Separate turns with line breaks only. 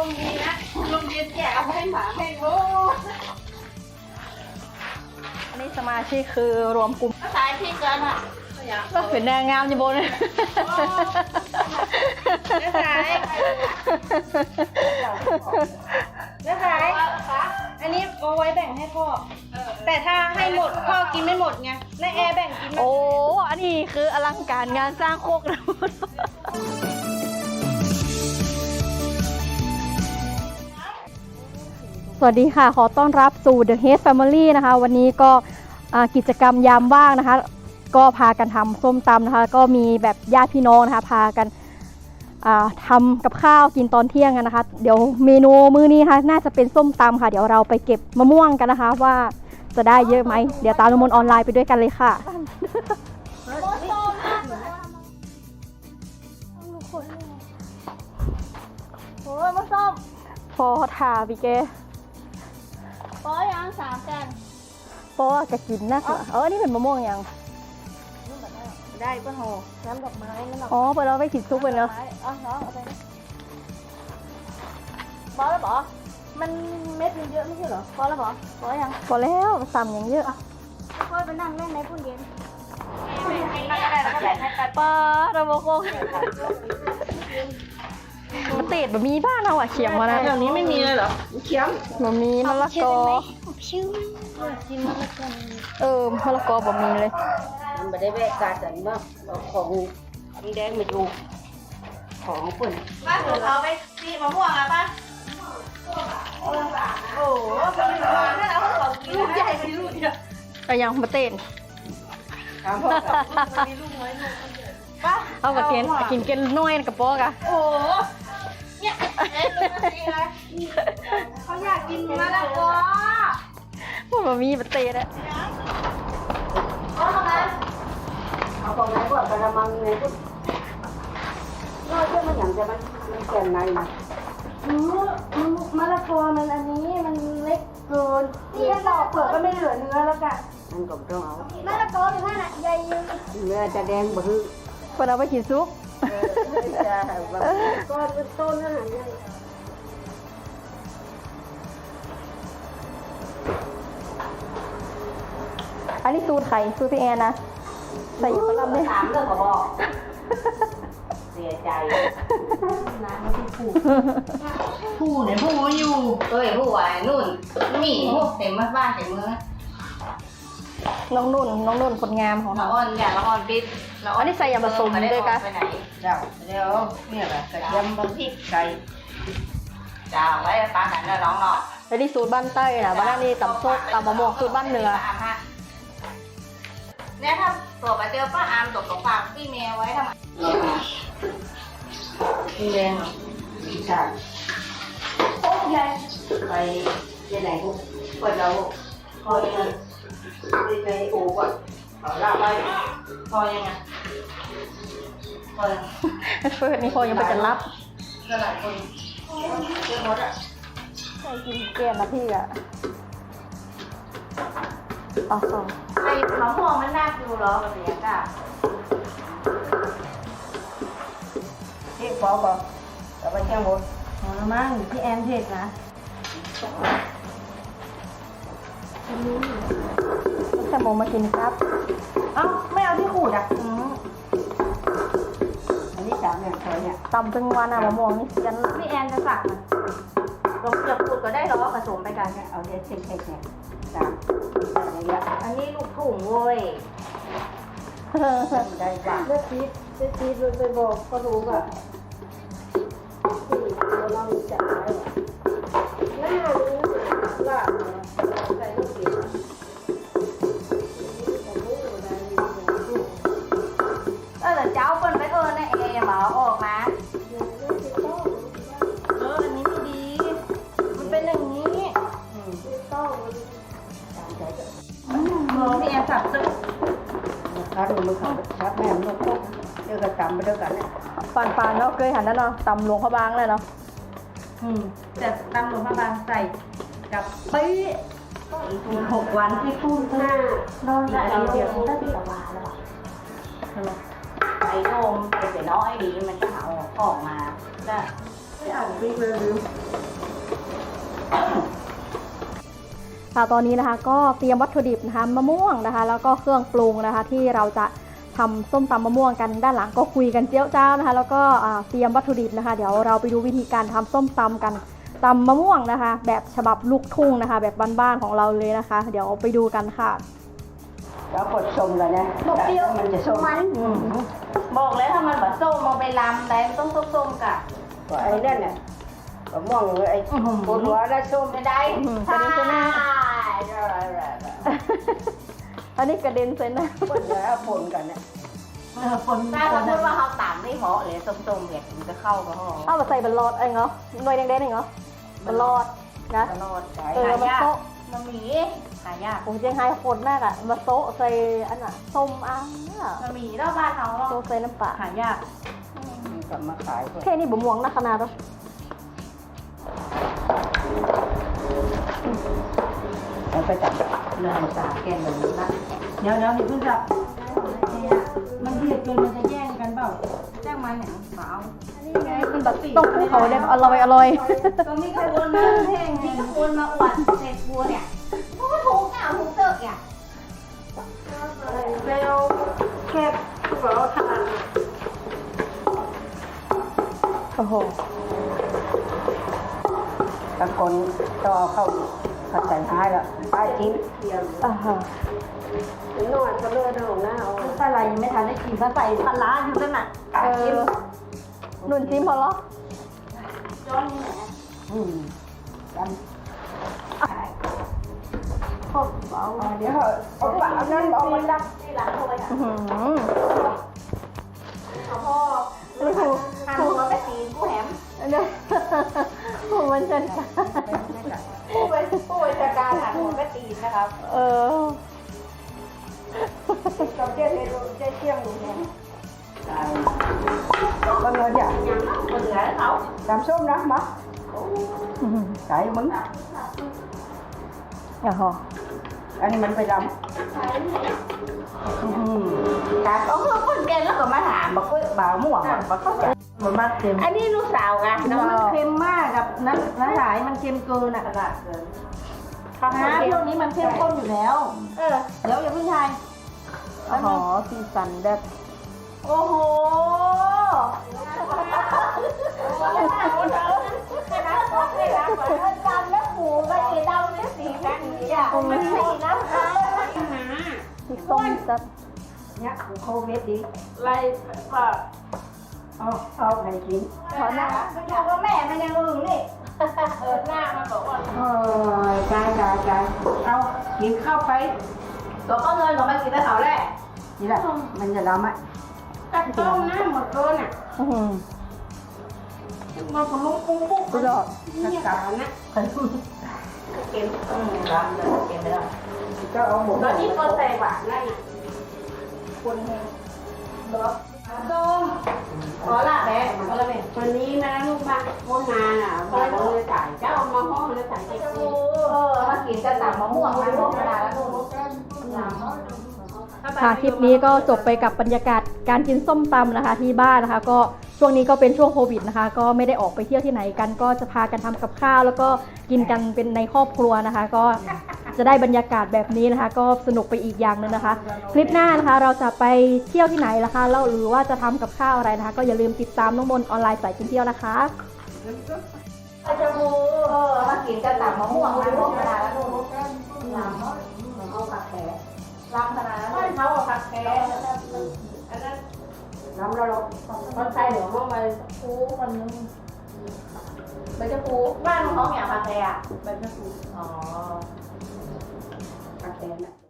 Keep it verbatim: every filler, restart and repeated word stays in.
มดีนะลมเย็นแก่เอาให้หมาให้โว้
อันนี้สมาชิกคือรวมกลุ่ม
ก็สายพี่กันอ่ะ
ก็เป็นนางงามอยู่บนเลย
ก็สายก็สายอันนี้เอาไว้แบ่งให้พ่อแต่ถ้าให้หมดพ่อกินไม่หมดไงและแอร์แบ่งกิน
โอ้อันนี้คืออลังการงานสร้างโคกนะสวัสดีค่ะขอต้อนรับสู่ The Head Family นะคะวันนี้ก็กิจกรรมยามว่างนะคะก็พากันทำส้มตำนะคะก็มีแบบญาติพี่น้องนะคะพากันทำกับข้าวกินตอนเที่ยงกันนะคะเดี๋ยวเมนูมื้อนี้ค่ะน่าจะเป็นส้มตำค่ะเดี๋ยวเราไปเก็บมะม่วงกันนะคะว่าจะได้เยอะไหมเดี๋ยวตามน้ำมนต์ออนไลน์ไปด้วยกันเลยค่ะ
โอ้ยมะส้ม
พอทาพี่เก
ปอยังสามกัน
ปอกะกินนะเออนี่เป็นมะม่วงยัง
ได้ป่ะโหน้ำดอกไม้น้ำดอก
อ๋อเปิดเราไปขิดซุปเลยเนาะ
อ๋อเนาะเอาไปปอแล้วปอมันเม็ดมันเยอะไม่ใช่เหรอปอแล้วปอปอยัง
พอแล้วซ้ำอย่างเยอะ
ค่อยไปนั่งเล่นในพุ่นเย็นนั่งก็ได้แล้วก็แบ่งให้กัน
ปลาระบบโคกมันติดแบบมีบ้านเราอะเขียมมานะ
แถวนี้ไม่มีเลยเหรอเขียม
มันมีมะละกอ
ชื่อกินมะละกอ
เออมะละกอแบบมีเลย
มันไม่ได้แวะการจันบ้างของมีแดงมาดูของฝุ่นป้าของเขาไปซีมะม่วงอ่ะป้าโอ้โหมันมีลูกนี่แล้วเขากินลูกใหญ่มีลูกเดียว
แต่ยังมาเต้น
มีลูกน้อยลูกป้า
เอากระเทียมกินเกล็ดน้อยกับปอกอะ
โอ้เนี่ยเอ๊ะเขาอยากกินมะละกอ
พวกมันมีมาเต้นอะ
เอาทำไมเอาตรงไหนก่อนกระมังไงก็น้อยเพื่อมันอย่างจะมันมันแก่นในนะอืมมะละกอมันอันนี้มันเล็กเกินนี่แค่ปอกเปลือกก็ไม่เหลือเนื้อแล้วกันนั่นก็ต้องเอามะละกออยู่ข้างน่ะใหญ่ยืนเนื้อจะแดงบ่ฮึ
เปิดเอาไปกินซุป
จะแบบก้อนเป็นต้นนั่นแหละ
อันนี้สูตรไข่สูตรพี่แอนนะใส่อยู่กระลำเนี่ย
ถามเรื่องกับบอกเสียใจน้ำไม่ได้ผูผู้เนี่ยผู้อยู่เอ้ยผู้ไอ้นู่นมีพวกเต็มบ้านเต็มเมือง
น้องนุ่นน้องนุ่นคนงามของ
เราอ่อนอย่างเราอ่อนบิด
เราอันนี้ใส่ยาผสมด้วยกัน
ไปไหนเจ้าเดี๋ยวเนี่ยแบบกระเทียมบางพริกไก่เจ้าไว้ปลาหันแล้วน้องเนาะ
ไอ้ที่สูตรบ้านใต้นะบ้านนี้ตำโซกตำมะม่วงสูตรบ้านเหนือ
เนี่ยถ้าตัวไปเจอป้าอามตกกับฝากพี่เมย์ไว้ทำไมพี่แดงใช่โอ้ยไปยังไงพวกพวกเราพอยังไงไปโอ้ก่อนเอาละไปพอยังไงพอยัง
เฟิร์สนี่พอยังไปจะรับ
ก็หลายคนเยอะหมดอ่ะ
ใส่กินเกลียนนะพี่อ่ะอ๋อ
ไอ้มะม่วงมันน่าดูหรอแบบนี้จ้ะพี่ปอปอแต่ไปแค่หมดอ๋อมั่งพี่แอนเทศนะ
แค่โมมากินครับ
เอ้าไม่เอาที่ขูดอ่ะอืมอันนี้สามเนี่ยสวยเนี่ย
ตำตึงวันอะมะม่วงนี่ยัน
พี่แอนจะสั่งอ่ะลงเกลือขูดก็ได้หรอผสมไปกันเนี่ยเอาเด็ดเช็คๆเนี่ยสามอันนี้ลูกถุงเว้ยได้จ้ะเลือดชีสเลือดชีสไปบอกก็รู้อ่ะที่เราจัดไว้หน้านี้ล่ะใส่ลูกเกี๊ยวเออเจ้าคนไปเออนะเอ๋หมอออกมาเอออันนี้ไม่ดีมันเป็นอย่างนี้มองพี่แอนสับซึขาดูมือเขาชักแม่นกกเดี๋ยวก็จำไปด้วยกันเนี่ย
ปานปานเนาะเคยหันนั่นเนาะตำหลวงพระบางเลยเนาะ
อืมแต่ตำหลวงพระบางใส่กับปี้อีกหกวันที่คู่หน้านอนได้เดียวได้ปีละวันแล้วไอ้โนมไอ้เสียน้อยดีมันจะหาออกมาได้อ่านปิ๊กเลยลืม
ค่ะตอนนี้นะคะก็เตรียมวัตถุดิบนะคะมะม่วงนะคะแล้วก็เครื่องปรุงนะคะที่เราจะทำส้มตำมะม่วงกันด้านหลังก็คุยกันเจี๊ยวจ้าวนะคะแล้วก็เตรียมวัตถุดิบนะคะเดี๋ยวเราไปดูวิธีการทำส้มตำกันตำมะม่วงนะคะแบบฉบับลูกทุ่งนะคะแบบบ้านๆของเราเลยนะคะเดี๋ยวไปดูกันค่ะ
แล้วกดชมกันนะบอกเปรี้ยวมันจะส้มมันบอกแล้วถ้ามันแบบส้มมาไปลำแต่มันต้องส้มๆกะไอ้นั่นน่ะมะม่วงไอ้ปวดหัวแล้วส้มไม่ได้ใช่
อันนี้กระเด็นเซนนะ
คนแล้วปนกันเนี่ยปนถ้าสมมติว่าเขาตามไม่เหมาะเลยส้มๆเนี่ยมันจะเข้ากับห้อง
เอามาใส่บัลลอดเองเหรอหน่วยแดงๆเองเหรอบัลลอดนะ
บัลลอด
เออมาโต๊ะ
มันมีหายาก
ผมยังไงคนมากอ่ะมาโต๊ะใส่อันน่ะส้มอ่ะ
มันมีแล้วบ้านเขา
โต๊ะใส่น้ำปลา
หายากกลับมาขาย
แค่นี้บ่ม่วงนะขนาดนั้น
แล้วไปจับเรื่องสาแกงเลยนะเดี๋ยวเดี๋ยวนี่เพิ่งจับมันเบียดกันมันจะแย่งกันเปล่าแย่งมันเนี่ยเปล่า
นี่ไงมันแบบต้องคู่เขาเนี่ยอร่อยอร่อย
ตรงนี้ขบวนมาแห้งนี่ขบวนมาอวดเศษบัวเนี่ยโอ้ถูกอ่ะถูกเตอะอ่ะเร็วแคบเราทาน
โอ้โห
ตะกนต่อเข้าผัดใส่ท้ายแล้วท้ายทิ้ง
อ่าฮะ
นวดเขาเลือดหน้าเอาถ้าอะไรยังไม่ทันได้กินก็ใส่ปลาร้าอยู่ตั้งน่ะ
เออนุ่นจิ้มพอหรอ
ย้อนนี่แหละอืมกันพวกเบาเดี๋ยวเอาปากนั่นเอามันดับที่หลังเข้าไปอ่ะพ่อไม่ถูกทำหัวไปตีกูแหม
เนี่ยผมมันจะ
ผู้เป็นผู้บัญชาการหันหัวไปตีนะครับ
เออ
เราเจ๊เจ๊เจ๊เที่ยงอยู่เนี่ยบางเงินเนี่ยคนเหลือเขาดำส้มนะมั้งใส่มึง
อย่าหอ
อันนี้มันไปดำครับเอาเพื่อนคนเก่งแล้วก็มาถามบอกว่าบ่าวม่วงบอกเขาจะมันมากเค็มอันนี้ลูกสาวไงน้ำมันเค็มมากกับน้ำน้ำหลายมันเค็มเกินอ่ะขนาดเกินน้ำพวกนี้มันเข้มข้นอยู่แล้วเออเดี๋ยวอย่าเพิ่งทาย
อ๋อสีสันแบบ
โอ้โหดำแล้วหูก็สีดำแล้วสีแดงนี่อ่ะมันสีน้ำตาล
สีส้มจัด
เนี่ยโควิดดิไล่ว่าเอาเอาใครกินขอหน้าอยู่กับแม่มันยังอึ้งนี่เออหน้ามันบอกว่าเออใจใจใจเอากินข้าวไปตัวก็เงินของมันกินได้เท่าแรกนี่แหละมันจะดำไหมกัดต้มน้ำหมดเลยน่ะมาผลุปุ๊บปุ๊บ
ก็ยอด
นี่กานะเก็บอืมดำเลยเก็บไม่ได้ก็เอาหมดตอนนี้ก็ใส่บาทนั่นน่ะคนแห้งเนาะส้มขอละแม่ขอละแม่วันนี้นะลูกมาโมงานอ่ะมาเลยจ่ายเจ้ามาห้องเลยจ่ายเจ้าเออมากินกระต่ายมะม่วงมาห้องกระดาษแล้วลูก
ค่ะคลิปนี้ก็จบไปกับบรรยากาศการกินส้มตำนะคะที่บ้านนะคะก็ช่วงนี้ก็เป็นช่วงโควิดนะคะก็ไม่ได้ออกไปเที่ยวที่ไหนกันก็จะพากันทำกับข้าวแล้วก็กินกันเป็นในครอบครัวนะคะก็จะได้บรรยากาศแบบนี้นะคะก็สนุกไปอีกอย่างนึงนะคะคลิปหน้านะคะเราจะไปเที่ยวที่ไหนล่ะคะแล้วหรือว่าจะทำกับข้าวอะไรนะคะก็อย่าลืมติดตามน้องมนออนไลน์สายกินเที่ยวนะคะ
จะมูเออมากินกระต่ายมะม่วงมาห้องกระดาษแล้วลูกลำเอาผักแขกลำขนาดนั้นไม่เขาเอาผักแขกอันนั้นลำเราคนไทยเหนือห้องไปคูคนนึงไปจะคูบ้านของเขาเนี่ยผักแขกอ่ะไปจะคูอ๋อผักแขกเนี่ย